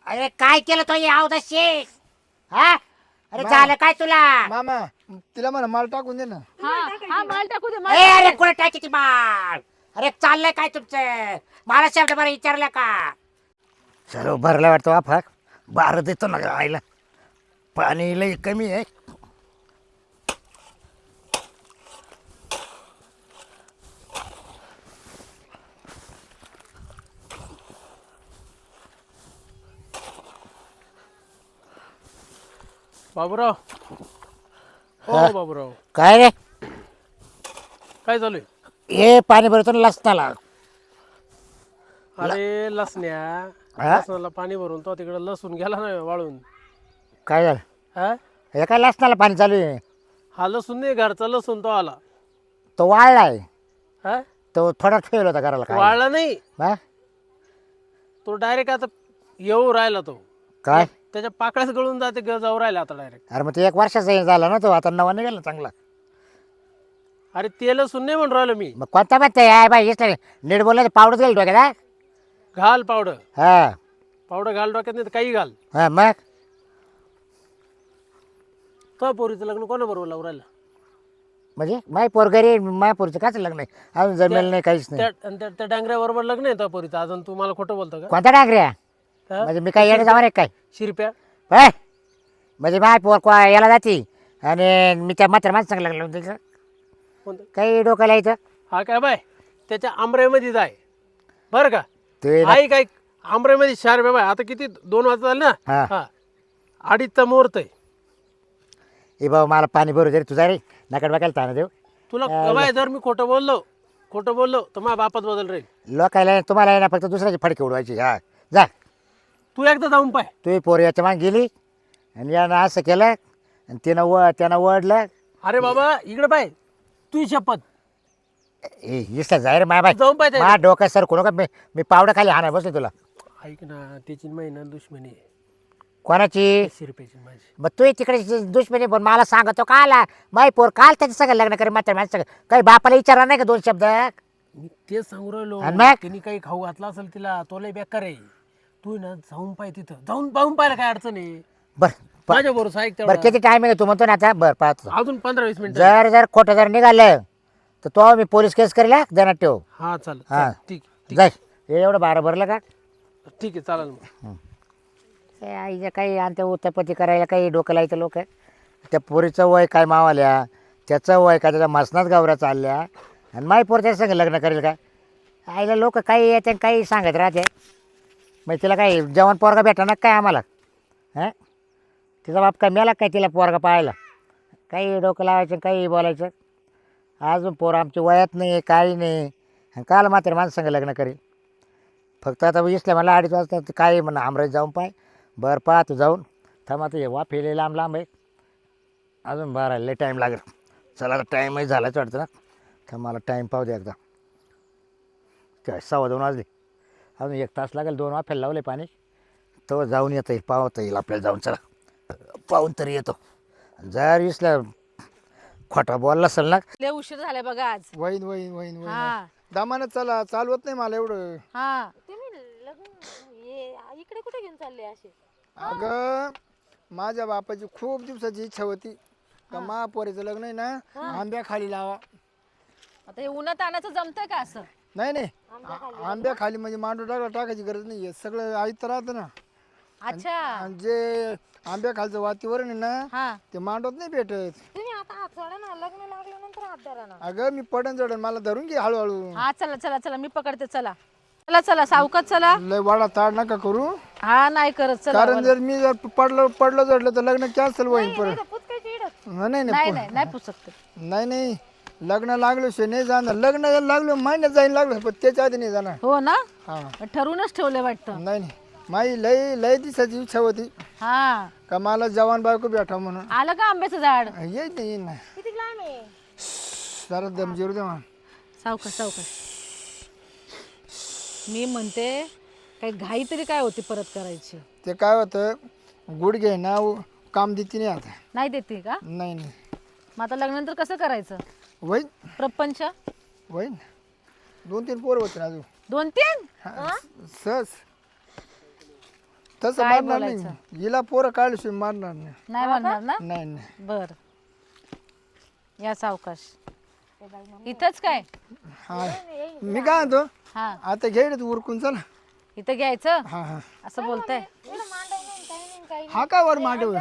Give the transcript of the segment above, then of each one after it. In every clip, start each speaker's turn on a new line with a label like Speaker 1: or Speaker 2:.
Speaker 1: अरे काय केलं तो याव दशी हा अरे
Speaker 2: मा-
Speaker 1: झालं काय तुला
Speaker 2: मामा तिला म्हणा माल टाकून दे ना.
Speaker 3: हा हा माल टाकू दे
Speaker 1: ए अरे कुठे टाकी ती माळ अरे चाललंय काय तुमचं मला शब्द बरं विचारलं का सर्व भरला वाटतो फाक बारा देतो ना आईला पाणी लई कमी आहे
Speaker 4: बाबूराव हो
Speaker 1: हा.
Speaker 4: बाबूराव
Speaker 1: काय रे
Speaker 4: काय चालू आहे?
Speaker 1: हे पाणी भरतो ना लसणाला
Speaker 4: अरे लसण्या
Speaker 1: हा?
Speaker 4: लसणाला पाणी भरून तो तिकडे लसूण गेला ना वाळून.
Speaker 1: काय झालं
Speaker 4: हा
Speaker 1: हे काय लसणाला पाणी चालू आहे
Speaker 4: हा लसूण नाही घरचा लसूण तो आला.
Speaker 1: तो वाळलाय
Speaker 4: हा
Speaker 1: तो थोडा ठेवला होता घराला काय
Speaker 4: वाळला नाही
Speaker 1: हा?
Speaker 4: तो डायरेक्ट आता येऊ राहिला तो
Speaker 1: काय
Speaker 4: त्याच्या पाकळ्याच गळून जाते जाऊ राहिला आता डायरेक्ट.
Speaker 1: अरे मग ते 1 वर्षाचा हे झाला ना तो आता नवा निघाला ना चांगला
Speaker 4: अरे ते लसूण नाही म्हणून राहिलो मी.
Speaker 1: मग कोणता म्हणते आहे बाई हेच नाही नीट बोललं पावडर गेल डोक्यात हा?
Speaker 4: घाल पावडर
Speaker 1: हा
Speaker 4: पावडर घाल डोक्यात नाही तर काही घाल.
Speaker 1: हा मग
Speaker 4: तो पोरीचं लग्न कोणाबरोबर लावून राहिलं?
Speaker 1: म्हणजे माय पोर घरी माय पोरीचं काच लग्न नाही अजून जमेल नाही काहीच नाही
Speaker 4: त्या डांगऱ्याबरोबर लग्न आहे तो पोरीचं. अजून तू मला खोटं बोलतो का?
Speaker 1: कोणता डांगऱ्या
Speaker 4: हा?
Speaker 1: म्हणजे मी काय येणे जाणार आहे काय
Speaker 4: शिरप्या
Speaker 1: होय म्हणजे माय पोर याला जाती आणि मी त्या मात्र माणसं सांग लागलो त्याचं
Speaker 4: कोणतं?
Speaker 1: काही डोक्याला यायचं
Speaker 4: हा काय बाय त्याच्या आंबऱ्यामध्ये जाय बरं का.
Speaker 1: ते ना-
Speaker 4: आई काय आंबऱ्यामध्ये शार बाय आता किती 2 वाजता झाले ना.
Speaker 1: हा.
Speaker 4: हा 2:30चा मुहूर्त आहे.
Speaker 1: ए बाबा मला पाणी भरू दे रे तुझा रे नकड बघायला ताना देऊ
Speaker 4: तुला बाय जर मी खोटं बोललो तर माझ्या बापात बदल राहील.
Speaker 1: लोकायला तुम्हाला ना फक्त दुसऱ्याची फडकी उडवायची हा जा
Speaker 4: तू एकदा जाऊन पाय.
Speaker 1: तू पोर याच्या मागे गेली आणि यानं असं केलं आणि त्यानं वडलं
Speaker 4: अरे बाबा इकडे पाय तू शपथ
Speaker 1: इसला जाय रे माय बाय
Speaker 4: जाऊन पाय
Speaker 1: मा डोक्यात सर कोण का मी पावडं खाली हाणार बसले तुला
Speaker 4: ऐक ना त्याची महिना दुश्मनी आहे
Speaker 1: कोणाची
Speaker 4: शिरप्याची माझी.
Speaker 1: मग तू तिकडे दुश्मनी पण मला सांगतो का आला माय पोर काल त्याचं सगळं लग्न करे मात्र माझं सगळं काही बापाला विचारणार नाही का 2 शब्द
Speaker 4: मी तेच सांगू राहिलो.
Speaker 1: आणि मग?
Speaker 4: त्यांनी काही खाऊ घातला असेल तिला तो लय बेकार आहे. तू ना जाऊन पाय तिथं जाऊन पाहून पाहिलं काय अडचण आहे.
Speaker 1: बरं
Speaker 4: माझ्या बरोबर ऐक
Speaker 1: बरं
Speaker 4: तेवढं.
Speaker 1: किती टाइम आहे तू म्हणतो ना आता बरं पाहतो
Speaker 4: अजून 15-20 मिनिटं.
Speaker 1: जर खोटं जर निघालं तर तो मी पोलीस केस करेल देण्यात ठेव
Speaker 4: हा चालेल
Speaker 1: हा.
Speaker 4: चालेल. ठीक
Speaker 1: जाय हे एवढं 12 भरलं का
Speaker 4: ठीक आहे चालेल मग.
Speaker 1: ते आईचं काही आणते उत्तपत्ती करायला काही डोकं लायचं लोक त्या पोरीचं वय काय मावाल्या त्याचं वय काय त्याच्या मसनात गावरा चालल्या आणि माय पोर त्याच्या संग लग्न करेल का आईला लोक काही येते काही सांगत राहते मग तिला काही जेवण पोरगा भेटणार काय आम्हाला हां तिचा बाप काय मेला काय तिला पोरगा पाहायला काही डोकं लावायचं काही बोलायचं अजून पोरं आमची वयात नाही काही नाही आणि काल मात्र माणसं संग लग्न करेल फक्त आता इसल्या मला 2:30 वाजता काय म्हणा आमराज जाऊन पाय बरं पहा तू जाऊन थांबा तू वा फेले लांब लांब आहे अजून बरं लय टाईम लागेल चला आता टाईमही झालाच वाटतं ना तर मला टाईम पाहू दे एकदा काय 2:15 वाजले अजून 1 तास लागेल 2 वाफेला लावले पाणी तर जाऊन येता येईल पाहता येईल आपल्याला जाऊन चला पाहून तरी येतो जर इसल्या खोटा बोलला असेल ना
Speaker 3: लय उशीर झालाय बघा आज.
Speaker 2: वहीन वहीन वहीन वहीन
Speaker 3: हा
Speaker 2: दामानं चला चालवत नाही मला एवढं.
Speaker 3: हा
Speaker 5: तुम्ही लग्न इकडे कुठे घेऊन चालले असे?
Speaker 2: अगं माझ्या बापाची खूप दिवसाची इच्छा होती का महापोरीचं लग्न आहे ना आंब्या खाली लावा.
Speaker 3: आता हे उन्हात आणायचं जमतंय का असं?
Speaker 2: नाही नाही आंब्या खाली म्हणजे मांडू टाकायची गरज नाही सगळं आयत राहतं ना.
Speaker 3: अच्छा
Speaker 2: आणि जे आंब्या खालचं वातीवरण आहे ना
Speaker 3: हा
Speaker 2: ते मांडवत नाही भेटत.
Speaker 5: तुम्ही आता हात सोडा ना, लग्न लागल्यानंतर हात धरा ना.
Speaker 2: अगं मी पडन चढन मला धरून घे हळूहळू.
Speaker 3: हा चला चला चला मी पकडते चला चला चला सावकाश चला.
Speaker 2: लय वाडा ताड नका करू
Speaker 3: हा नाही करत चला
Speaker 2: कारण जर मी जर पडलो जडलं तर लग्न कॅन्सल होईल परत.
Speaker 5: पुचकायची इडत.
Speaker 2: नाही
Speaker 3: नाही नाही नाही पुसकत.
Speaker 2: नाही नाही लग्न लागलो शे नाही जाणार लग्न लागलो महिन्यात जाईन लागलो पण त्याच्या आधी नाही जाणार.
Speaker 3: हो ना
Speaker 2: हा
Speaker 3: ठरूनच ठेवले वाटतं.
Speaker 2: नाही नाही माझी लय लय दिवसाची इच्छा होती
Speaker 3: हा
Speaker 2: का मला जवान बायको भेटा म्हणून.
Speaker 3: आलं का आंब्याचं झाड?
Speaker 2: येईन ना
Speaker 5: किती लांब आहे?
Speaker 2: जरा दम जिरू दे मला.
Speaker 3: सावकाश सावकाश. मी म्हणते काही घाई तरी काय होती परत करायची?
Speaker 2: ते काय होतं गुडघे ना काम देते नाही आता.
Speaker 3: नाही देते का?
Speaker 2: नाही नाही
Speaker 3: मग आता लग्नानंतर कसं करायचं?
Speaker 2: वहीन
Speaker 3: प्रपंच
Speaker 2: वहीन 2-3 पोरं होते ना अजून.
Speaker 3: 2-3
Speaker 2: सहज तसं
Speaker 3: काय
Speaker 2: मारणार नाही हिला पोरं काढल्याशिवाय मारणार नाही.
Speaker 3: नाही म्हणणार ना
Speaker 2: नाही नाही
Speaker 3: बर या सावकाश इथंच काय
Speaker 2: हा मी काय म्हणतो
Speaker 3: हा
Speaker 2: आता घे रे तू उरकून चल.
Speaker 3: इथं घ्यायचं
Speaker 2: हा हा
Speaker 3: असं बोलताय
Speaker 2: हा काय वर मांडव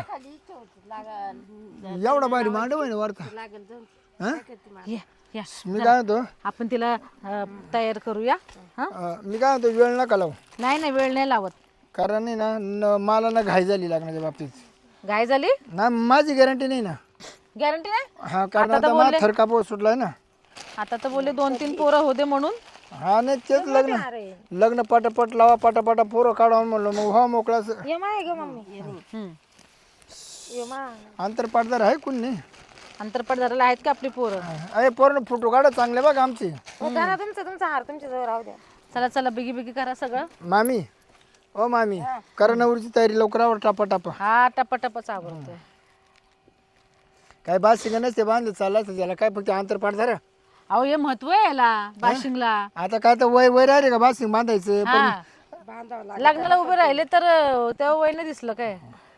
Speaker 2: एवढा भारी मांडव आहे ना वरता हा?
Speaker 3: या या
Speaker 2: मी काय म्हणतो
Speaker 3: आपण तिला तयार करूया हा
Speaker 2: मी काय म्हणतो वेळ नका लावू
Speaker 3: नाही नाही वेळ नाही लावत
Speaker 2: कारण नाही ना मला ना घाई झाली लग्नाच्या बाबतीत
Speaker 3: गाय झाली
Speaker 2: ना माझी गॅरंटी नाही ना.
Speaker 3: गॅरंटी नाही
Speaker 2: हा कारण आता मला थरका पोट सुटलाय ना.
Speaker 3: आता तर बोलले 2-3 पोरं होते म्हणून
Speaker 2: हा नाही तेच लग्न पटापट लावा पटापटा पोरं काढा म्हणलं मग हा मोकळा
Speaker 5: ये माय ग मम्मी
Speaker 3: हम्म.
Speaker 5: ये मा
Speaker 2: आंतरपाटदार आहे कोण नाही.
Speaker 3: अंतरपटदाराला आहेत का आपली पोरं
Speaker 2: अरे पोरं फोटो काढा चांगले बघ आमचे.
Speaker 5: करा तुमचा हार तुमच्या जवळ राहू द्या.
Speaker 3: चला चला बिगी बिगी करा सगळं
Speaker 2: मामी ओ मामी करा नवरीची तयारी लवकर आवर टापा टापा.
Speaker 3: हा टपाटपच आवडतोय
Speaker 2: काय बासिंग नसते बांधलं चालायचं त्याला काय फक्त आंतरपाटदार.
Speaker 3: अहो हे महत्व आहे याला बाशिंगला
Speaker 2: आता काय तर वय वय राहिले का बासिंग बांधायचं पण
Speaker 3: हा लग्नाला उभे राहिले तर तेव्हा वय नाही दिसलं काय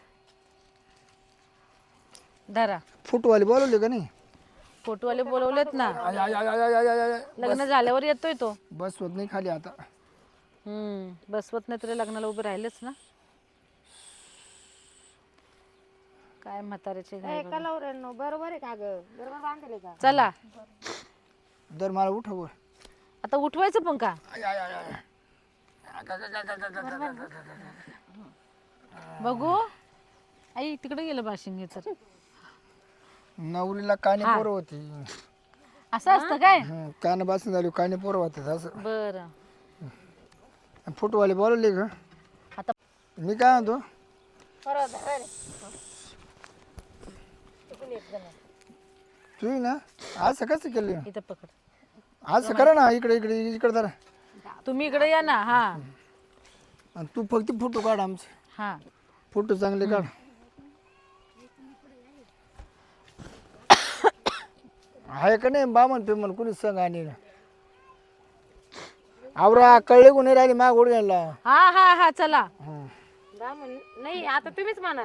Speaker 3: धरा
Speaker 2: फुटवाले बोलवले का नाही.
Speaker 3: फोटोवाले बोलवलेत ना
Speaker 2: आय, आय, आय, आय, आय, आय, आय.
Speaker 3: लग्न झाल्यावर येतोय तो
Speaker 2: बस होत नाही खाली आता.
Speaker 3: बसवत नाही तरी लग्नाला उभे राहिलेच ना काय म्हाताऱ्याचे घाई बघा.
Speaker 5: कलावऱ्यांनो बरोबर आहे का ग बरोबर बांधले का
Speaker 3: चला
Speaker 2: दर मला उठव.
Speaker 3: आता उठवायचं पण का बघू आई तिकडे गेलं बाशिंग तर
Speaker 2: नवरीला काने पोरं होती.
Speaker 3: असं असतं काय
Speaker 2: कान बासिंग झाली काने पोरं होते असं.
Speaker 3: बर
Speaker 2: फुटवाले बोलवले का
Speaker 3: आता
Speaker 2: मी काय म्हणतो तू ना असं कसं केलं
Speaker 3: इथं पकड
Speaker 2: असं करा ना इकडे इकडे इकडे जरा
Speaker 3: तुम्ही इकडे या ना हा
Speaker 2: आणि तू फक्त फोटो काढ आमचे
Speaker 3: हा
Speaker 2: फोटो चांगले काढ. आहे का नाही बामन पेमन कुणी संग आणि आवरा कळले कोणी राहिले माग ओढ घ्यायला.
Speaker 3: हा हा हा चला
Speaker 5: बामण नाही आता तुम्हीच म्हणा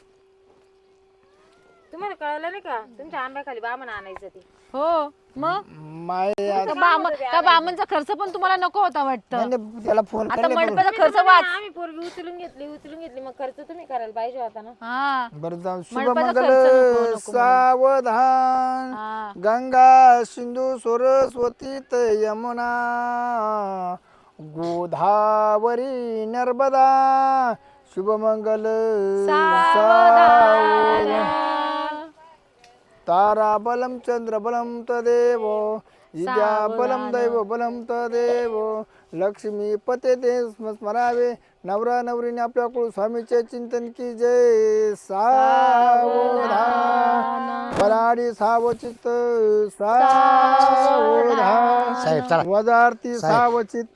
Speaker 5: तुम्हाला कळलं नाही का तुमच्या आंब्याखाली बामण आणायचं ते
Speaker 3: हो मग
Speaker 2: माय
Speaker 3: त्या बामणचा खर्च पण तुम्हाला नको होता वाटतं
Speaker 2: त्याला फोन
Speaker 3: आता मंडपाचा खर्च वाच
Speaker 5: आम्ही पोरगी उचलून घेतली मग खर्च तुम्ही करायला पाहिजे होता ना.
Speaker 3: हा
Speaker 2: बरं जाऊ
Speaker 3: मंडपाचा
Speaker 2: शुभमंगल
Speaker 3: खर्च नको
Speaker 2: सावधान
Speaker 3: हा
Speaker 2: गंगा सिंधू सरस्वती यमुना गोदावरी नर्मदा शुभमंगल सावधान तारा बलम चंद्र बलम तदेव विद्या बलम दैव बलम तदेव लक्ष्मी पते ते स्मरावे नवरा नवरीने आपल्या कुळ स्वामीचे चिंतन की जय सावधान बराडी सावचित सावधान
Speaker 1: साहेब चला
Speaker 2: वदार्थी सावचित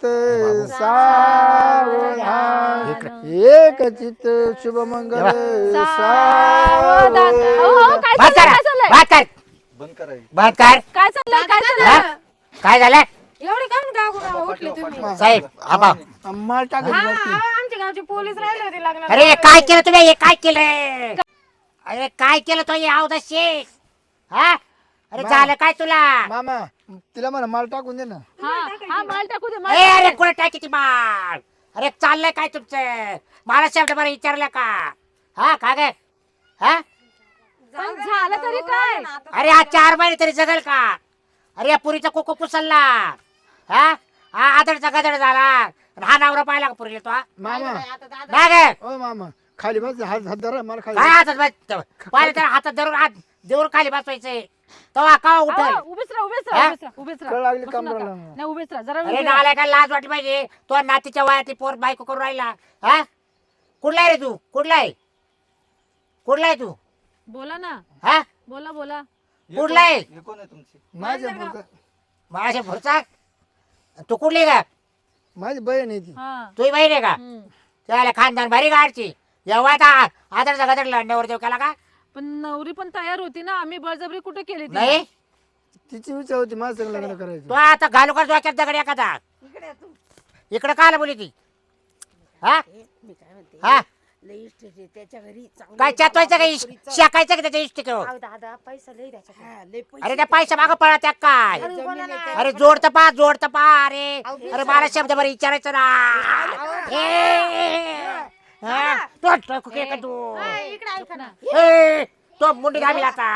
Speaker 2: सावधान एक चित्त शुभमंगल सावधान.
Speaker 3: काय चाललंय
Speaker 1: बात कर
Speaker 6: बंद करायचं.
Speaker 1: बात कर
Speaker 3: काय चाललंय काय
Speaker 1: हा?
Speaker 3: चाललंय
Speaker 1: काय झालं
Speaker 5: एवढे काम गाव उठले तुम्ही
Speaker 1: साहेब आबा
Speaker 2: माल टाकायची बाकी.
Speaker 5: आमच्या गावचे पोलीस राहिले होते लग्नाला.
Speaker 1: अरे काय केलं तुम्ही हे काय केलं अरे काय केलं तो हे अवदाशी हा अरे झालं काय तुला
Speaker 2: मामा तिला म्हणा माल टाकून दे ना.
Speaker 3: हा माल टाकू दे
Speaker 1: ए अरे कुठे टाकी ती बाळ अरे चाललंय काय तुमचं मला शब्द बरं विचारलं का हा का गे हा
Speaker 3: पण झालं तरी काय
Speaker 1: अरे हा 4 महिने तरी जगल का अरे या पुरीचा कोको पुसलला हा हा आदडचा गदड झाला आणि हा नवरा पाहिला का पुरीला तो हा?
Speaker 2: मामा
Speaker 1: नाही गे
Speaker 2: ओ मामा खाली बस हात हात धरा मला खाली
Speaker 1: काय हातात बस पाहिलं तर हातात धरून हात देऊन खाली बसवायचंय तो का उठल
Speaker 3: उभेच राहा
Speaker 1: हा?
Speaker 3: उभेच
Speaker 2: कळ लागली
Speaker 3: बसू नका.
Speaker 2: कमरेला.
Speaker 3: नाही उभेच राहा जरा
Speaker 1: अरे
Speaker 3: उभे राहा.
Speaker 1: नाला काय लाज वाटली पाहिजे तो नातीच्या वयातली पोर बायको करून राहिला हा कुठला आहे रे तू कुठला आहे तू
Speaker 3: बोला ना
Speaker 1: हा
Speaker 3: बोला बोला
Speaker 1: कुठला आहे
Speaker 6: हे कोण आहे तुमची?
Speaker 2: माझ्या पुरतं-
Speaker 1: माझ्या पुरचा तू कुठली का
Speaker 2: माझी बहीण आहे ती.
Speaker 3: हा
Speaker 1: तुझी बहीण आहे का त्याला खानदान भारी गाडची एवढा आदरचा गदडला नवर केला का
Speaker 3: पण नवरी पण तयार होती ना आम्ही बळजबरी कुठे केली तिला?
Speaker 1: नाही
Speaker 2: तिची इच्छा होती माझं संग लग्न करायचं.
Speaker 1: तू आता घालू का डोक्यात दगड एखादा इकडे काला बोली ती हा
Speaker 6: मी काय म्हणते
Speaker 1: हा
Speaker 6: लई इस्टेट आहे त्याच्या घरी चांगलं
Speaker 1: काय चातवायचं का शेकायचं का त्याच्या इष्टिक
Speaker 5: अहो दादा पैसा लई त्याच्याकडे.
Speaker 6: हा, लई पैसे
Speaker 1: अरे त्या पैसा मागं पळा त्या काय
Speaker 6: जमीन
Speaker 5: बोला
Speaker 6: आहे
Speaker 5: ना.
Speaker 6: त्या-
Speaker 1: अरे जोडतं पा अरे अरे मला शब्द बरं विचारायचं ना हा? तो टोकू के का तू
Speaker 5: इकडे ऐका ना.
Speaker 1: ए, तो मुंडी घाली आता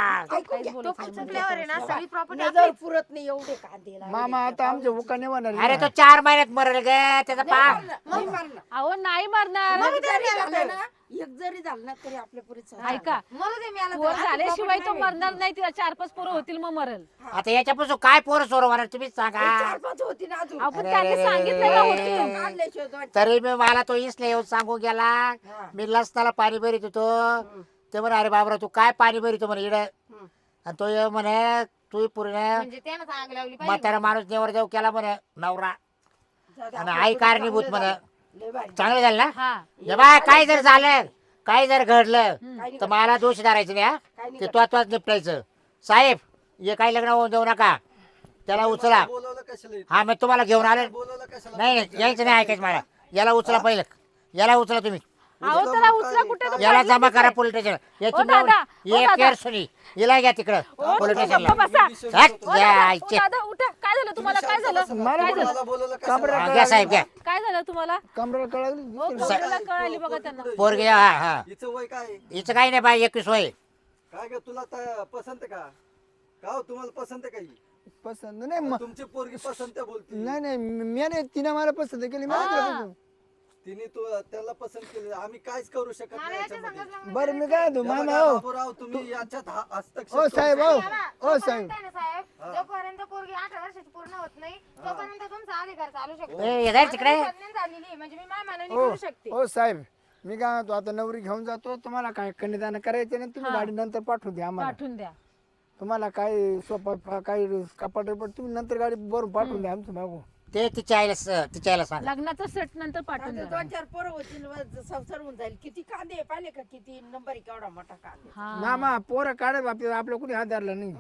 Speaker 5: तो चुकल्यावर आहे ना सगळी प्रॉपर्टी
Speaker 6: नजर पुरत नाही एवढे कांदे लावले.
Speaker 2: मामा आता आमचे उका नाही होणार
Speaker 1: अरे तो 4 महिन्यात मरल ग त्याचा पा
Speaker 6: नाही मारणार.
Speaker 3: अहो नाही मरणार
Speaker 6: मग जरी झालं ना, एक जरी झालं ना तरी आपल्या पुरीच
Speaker 3: ऐका
Speaker 5: मला ते मिळालं
Speaker 3: पोर झाल्याशिवाय तो मरणार नाही तिला 4-5 पोरं होतील मग मरल
Speaker 1: आता याच्यापासून काय पोरं सोर होणार तुम्हीच सांगा
Speaker 6: 4-5 होती ना अजून
Speaker 3: आपण
Speaker 1: अरे,
Speaker 3: त्यांनी
Speaker 1: अरे,
Speaker 3: सांगितलं
Speaker 1: अरे,
Speaker 3: का
Speaker 1: अरे.
Speaker 3: होतील
Speaker 6: काढल्याशिवाय दोन-
Speaker 1: तरी मी मला तो इसले येऊन सांगू गेला मी लसणाला पाणी भरीत होतो ते म्हणे अरे बाबरा तू काय पाणी भरीतो म्हणे इड आणि तो ये म्हणे तू पूर्ण
Speaker 5: म्हणजे त्यानं आग लावली पाहिजे.
Speaker 1: म्हातारा माणूस नेवर जाऊ केला म्हणे नवरा
Speaker 6: जाऊ दे,
Speaker 1: आणि
Speaker 6: आपल्या
Speaker 1: आई
Speaker 6: पुरीचं
Speaker 1: कारणीभूत
Speaker 6: चांगलं
Speaker 1: म्हणे
Speaker 6: झालं. लय भारी.
Speaker 1: चांगलं झालं ना
Speaker 3: हा
Speaker 1: हे बाय काय जर झालं काय जर घडलं
Speaker 6: काही
Speaker 1: तर मला दोष धरायचं नाही हा
Speaker 6: नाही
Speaker 1: ते तोच निपटायचं साहेब हे काही लग्न होऊन जाऊ नका त्याला उचला
Speaker 7: बोलवलं कशाला इथं?
Speaker 1: हा मी तुम्हाला घेऊन आलो
Speaker 7: बोलवलं कशाला?
Speaker 1: नाही नाही यायचं नाही ऐकायचं मला याला उचला पहिलं याला उचला तुम्ही
Speaker 3: अहो त्याला उचला कुठे तो
Speaker 1: याला
Speaker 3: पडला
Speaker 1: जमा
Speaker 3: तिथे.
Speaker 1: करा पोलीस स्टेशन याची
Speaker 3: ओ दादा,
Speaker 1: मेवणी-
Speaker 3: ओ
Speaker 1: एक
Speaker 3: दादा.
Speaker 1: केअरसुनी हिला घ्या तिकडं
Speaker 3: ओ,
Speaker 1: पोलीस
Speaker 3: तुम्ही
Speaker 1: स्टेशनला
Speaker 3: गप्प बसा.
Speaker 1: हट,
Speaker 3: ओ
Speaker 1: या
Speaker 3: दादा, ओ
Speaker 1: आईचे.
Speaker 3: दादा, उठा काय झालं तुम्हाला काय झालं काय झालं
Speaker 7: मला बोलवलं
Speaker 2: कमरा
Speaker 7: कशाला?
Speaker 1: हा, घ्या साहेब घ्या
Speaker 3: काय झालं तुम्हाला
Speaker 2: कमरा कळाली
Speaker 3: हो पोराला कळाली बघा त्यांना
Speaker 1: पोरगी हा हा
Speaker 7: हिचं वय काय आहे?
Speaker 1: हिचं काही नाही बाई 21 वय
Speaker 7: काय ग तुला पसंत आहे का का हो, तुम्हाला पसंत आहे का ही?
Speaker 2: पसंत नाही
Speaker 7: तुमची पोरगी पसंत आहे बोलती
Speaker 2: नाही नाही मी नाही तिने मला पसंत केली मी नाही केलं पसंत.
Speaker 7: तिने त्याला पसंत केलं आम्ही काहीच करू शकत नाही याच्यामध्ये.
Speaker 2: बरं मी काय म्हणतो
Speaker 7: या
Speaker 2: मामा
Speaker 7: बघा,
Speaker 2: हो
Speaker 7: बाबूराव तुम्ही याच्यात हस्तक्षेप
Speaker 2: ओ
Speaker 7: करू
Speaker 2: साहेब
Speaker 7: शकत
Speaker 2: हो
Speaker 7: नाही.
Speaker 2: ओ साहेब
Speaker 5: जोपर्यंत पोरगी 18 वर्षाची पूर्ण होत नाही तोपर्यंत तुमचा अधिकार चालू शकतो.
Speaker 1: ए, हे जाय तिकडे
Speaker 5: प्रेग्नंट झालेली आहे, म्हणजे मी माझ्या मनाने
Speaker 2: ओ
Speaker 5: करू शकते.
Speaker 2: ओ साहेब मी काय म्हणतो आता नवरी घेऊन जातो तुम्हाला काय कन्यादान करायचं ना तुम्ही गाडी नंतर पाठवून द्या आम्हाला
Speaker 3: पाठवून द्या
Speaker 2: तुम्हाला काय सोपा काही कपाट बिपाट तुम्ही नंतर गाडी भरून पाठवून द्या आमचं मागू
Speaker 1: ते तिच्या आईला सांग
Speaker 3: लग्नाचं सेट नंतर पाठवून
Speaker 6: आता
Speaker 3: द्या
Speaker 6: 2-4 पोरं होतील व संसार होऊन जाईल किती कांदे पाहिले का किती नंबर केवढा मोठा कांदे
Speaker 3: हा
Speaker 2: मामा पोरं काढत आपलं कुणी हात धरला नाही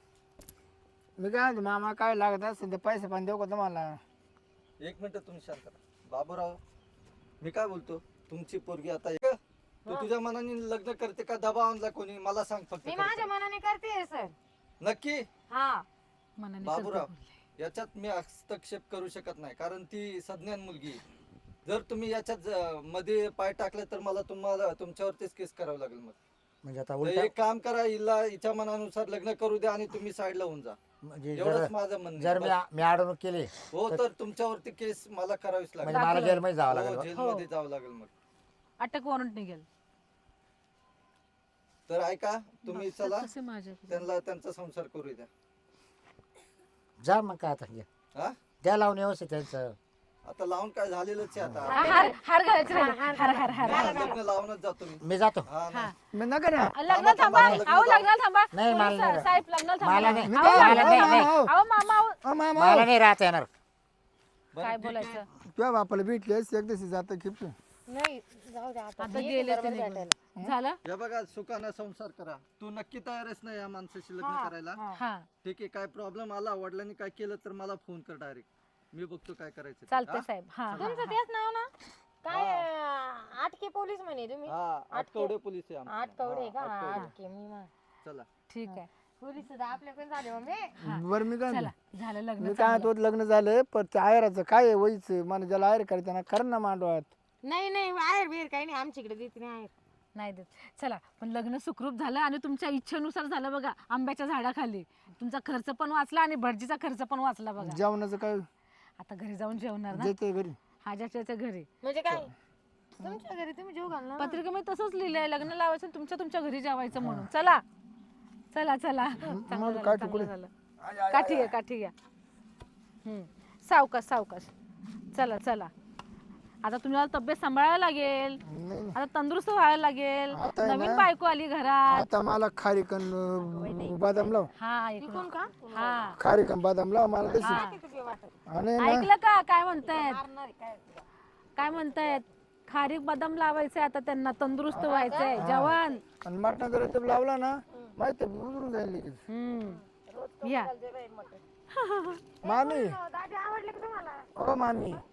Speaker 2: मी काय म्हणतो मामा काय लागत असेल तर पैसे पण देऊ का तुम्हाला
Speaker 7: एक मिनिट तुम्ही शांत राहा. बाबूराव मी काय बोलतो तुमची पोरगी आता आहे का? तू तुझ्या मनाने लग्न करते का दबाव आणला कोणी मला सांग फक्त
Speaker 5: मी माझ्या मनाने करते सर.
Speaker 7: नक्की
Speaker 5: हा
Speaker 3: मनाने
Speaker 7: बाबूराव याच्यात मी हस्तक्षेप करू शकत नाही कारण ती सज्ञान मुलगी आहे. जर तुम्ही याच्यात मध्ये पाय टाकले तर मला तुमच्यावरतीच केस करावं लागेल मग
Speaker 1: म्हणजे आता
Speaker 7: तर
Speaker 1: उलटा
Speaker 7: एक काम करा हिला हिच्या मनानुसार लग्न करू द्या आणि तुम्ही साईडला होऊन जा
Speaker 1: म्हणजे
Speaker 7: एवढंच माझं म्हणणं
Speaker 1: जर
Speaker 7: आहे.
Speaker 1: मी अडवणूक केली
Speaker 7: हो तर तुमच्यावरती केस मला करावीच
Speaker 1: म्हणजे
Speaker 7: लागेल
Speaker 1: मला जेलमध्ये जावं
Speaker 7: हो,
Speaker 1: लागेल बा.
Speaker 7: जेलमध्ये जावं लागेल मग
Speaker 3: अटक वॉरंट निघेल
Speaker 7: तर ऐका तुम्ही चला
Speaker 3: कसे माझ्या
Speaker 7: त्यांचा संसार करू द्या
Speaker 1: जा मग काय आता घ्या.
Speaker 7: हा
Speaker 1: द्या लावून व्यवस्थित त्यांचं
Speaker 7: आता लावून काय झालेलंच आहे आता
Speaker 3: हार हार घालायचे राहिले. हार हार हार
Speaker 7: हा, लग्न लावूनच जातो मी
Speaker 1: मी जातो
Speaker 7: हा ना.
Speaker 2: मी नका ना
Speaker 3: लग्न थांबा अहो लग्न थांबा
Speaker 1: नाही, मला नाही.
Speaker 3: साहेब लग्न थांबा
Speaker 1: मला नाही
Speaker 2: मी
Speaker 3: अहो,
Speaker 2: काय
Speaker 1: मला नाही,
Speaker 2: मामा,
Speaker 1: नाही.
Speaker 2: हो.
Speaker 3: अहो मामा अहो.
Speaker 2: ओ मामा
Speaker 1: मला नाही राहता येणार
Speaker 3: काय बोलायचं
Speaker 2: तुझ्या बापाला भेटली एक दिवशी जातं खिप
Speaker 5: नाही जाऊ द्या आता.
Speaker 3: आता
Speaker 5: मी
Speaker 3: गेले
Speaker 5: येते
Speaker 3: ते
Speaker 5: बरोबर
Speaker 3: निघून.
Speaker 5: भेटायला.
Speaker 3: झालं
Speaker 7: या बघा सुखानं संसार करा तू नक्की तयारच नाही या माणसाशी लग्न करायला
Speaker 3: हा
Speaker 7: ठीक आहे काय प्रॉब्लेम आला वडिलांनी काय केलं तर मला फोन कर डायरेक्ट मी बघतो काय करायचं ते.
Speaker 3: चालतंय
Speaker 7: हा?
Speaker 3: साहेब हा हा.
Speaker 5: तुमचं तेच नाव ना काय आटके पोलीस म्हणे तुम्ही.
Speaker 7: हा आटकवडे पोलीस आहे आमचे.
Speaker 5: आटकवडे का
Speaker 7: हा, आटकवडे.
Speaker 5: आटके मी
Speaker 7: चला
Speaker 3: ठीक आहे
Speaker 5: पोलीस सुद्धा आपल्याकडे झाले मम्मी.
Speaker 2: बरं मी काय
Speaker 3: चला झालं लग्न
Speaker 2: मी काय तो लग्न झालं पण ते आयराचं काय आहे वयचं मला ज्याला आयर करायचं ना कर ना मांडवात
Speaker 5: नाही नाही आहेर बिर काही नाही आमच्याकडे देत नाही आहेर.
Speaker 3: नाही देत चला पण लग्न सुखरूप झालं आणि तुमच्या इच्छेनुसार झालं बघा आंब्याच्या झाडाखाली तुमचा खर्च पण वाचला आणि भटजीचा खर्च पण वाचला बघा
Speaker 2: जेवणाचं काय
Speaker 3: आता घरी जाऊन जेवणार ना
Speaker 2: देते घरी
Speaker 3: हाजाच्या घरी
Speaker 5: म्हणजे काय तुमच्या घरी तुम्ही जेव घालणार ना?
Speaker 3: पत्रिकेमध्ये तसंच लिहिलंय लग्न लावायचं आणि तुमच्या घरी जेवायचं म्हणून चला चला चला चांगलं झालं,
Speaker 2: काठी
Speaker 3: चांगलं
Speaker 2: कुठे?
Speaker 3: झालं. काठी घ्या काठी घ्या सावकाश सावकाश चला चला आता तुम्हाला तब्येत सांभाळायला लागेल आता तंदुरुस्त व्हायला लागेल
Speaker 2: आता आहे
Speaker 3: नवीन
Speaker 2: ना.
Speaker 3: बायको आली घरात
Speaker 2: आता मला खारीकन बदाम लाव
Speaker 3: हा ऐकून
Speaker 5: का
Speaker 3: हा
Speaker 2: खारीकन बदाम लाव मला तशी
Speaker 3: हा.
Speaker 2: आणि ना
Speaker 3: ऐकलं का काय म्हणतायत काय म्हणतायत खारीक बदाम लावायचंय आता त्यांना तंदुरुस्त व्हायचंय जेवण
Speaker 2: आणि मटण जर ते लावला ना माहिती आहे, उतरून जाईल लगेच.
Speaker 3: या
Speaker 2: मामी
Speaker 5: दादी आवडले का तुम्हाला?
Speaker 2: ओ मामी